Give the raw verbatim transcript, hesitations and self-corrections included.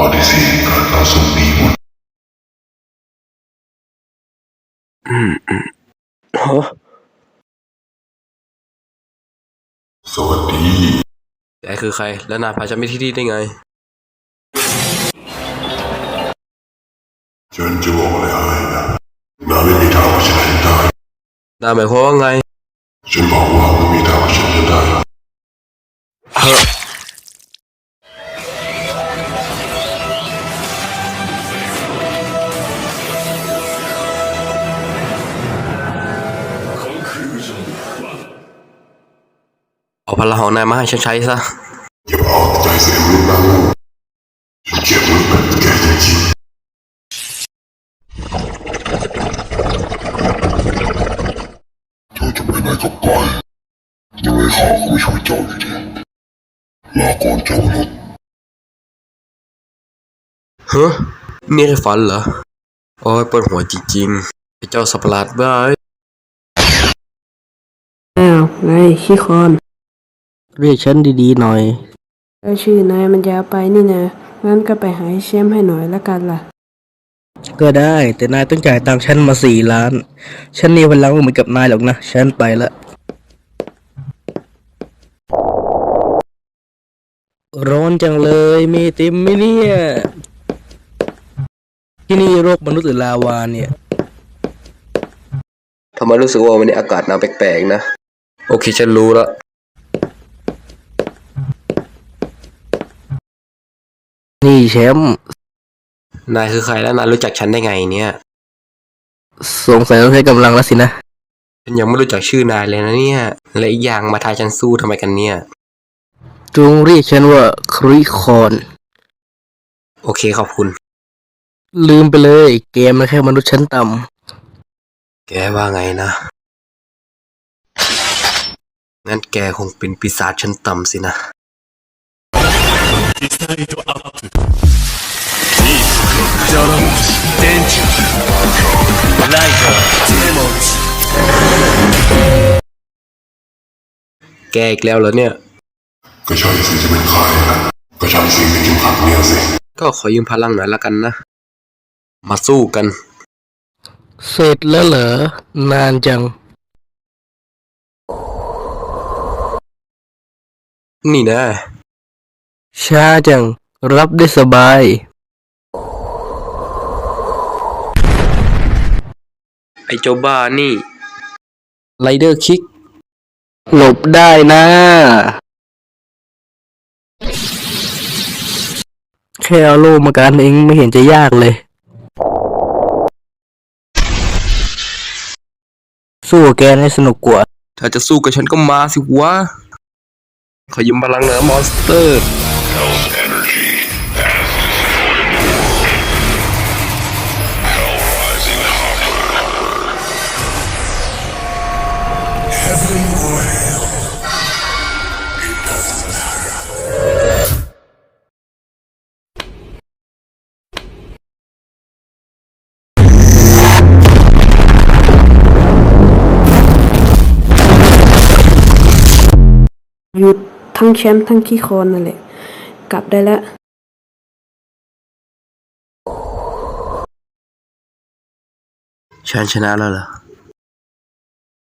ฏิเสธการต่อสู้นี้หมดอืมอืมฮะสวัสดีแกคือใครและนายพาฉันไปที่นี่ได้ไงฉันจะบอกอะไรให้นะนายไม่มีทางว่าฉันจะได้นายหมายความว่าไงฉันบอกว่าไม่มีทางว่าฉันจะได้เฮ้อเอาพลังของนายมาให้ฉันใช้ซะอย่าเอาใจเสียมนุษย์นะฉันเกลียดมนุษย์แบบแกจริงๆเธอจะไปไหนก็ไปยังไงข้าก็ไม่ช่วยเจ้าอยู่ดีลาก่อนเจ้ามนุษย์เฮ้อนี่แค่ฝันเหรอโอ้ยปวดหัวจริงๆไอ้เจ้าสัตว์ประหลาดบ้าอ้าวไงขี้คอนเรียกฉันดีๆหน่อยแล้วชื่อนายมันยาวไปนี่นะงั้นก็ไปหาแชมป์ให้หน่อยละกันล่ะก็ได้แต่นายต้องจ่ายตังค์ฉันมาสี่ล้านฉันนี่พลังไม่เหมือนกับนายหรอกนะฉันไปละร้อนจังเลยมีติมไหมเนี่ยที่นี่โรคมนุษย์หรือลาวาเนี่ยทำไมรู้สึกว่าวันนี้อากาศหนาวแปลกๆนะโอเคฉันรู้ละนี่แชมป์นายคือใครและนายรู้จักฉันได้ไงเนี่ยสงสัยต้องใช้กำลังแล้วสินะฉันยังไม่รู้จักชื่อนายเลยนะเนี่ยและอีกอย่างมาทายฉันสู้ทำไมกันเนี่ยจงเรียกฉันว่าคริคอนโอเคขอบคุณลืมไปเลยเกมมันแค่มนุษย์ชั้นต่ำแกว่าไงนะงั้นแกคงเป็นปีศาจชั้นต่ำสินะแกอีกแล้วเหรอเนี่ยก็ใช่สิจะเป็นใครนะก็ใช่สิเป็นเข็มขัดเนี่ยสิก็ขอยืมพลังหน่อยละกันนะมาสู้กันเสร็จแล้วเหรอนานจังนี่นะช้าจังรับได้สบายไอ้เจ้าบ้านี่ไรเดอร์คิกหลบได้นะแค่เอาโล่มากันเองไม่เห็นจะยากเลยสู้กับแกให้สนุกกว่าถ้าจะสู้กับฉันก็มาสิวะขอยืมพลังเหนือมอนสเตอร์หยุดทั้งแชมป์ทั้งขี้คอนนั่นแหละกลับได้แล้วฉันชนะแล้วเหรอ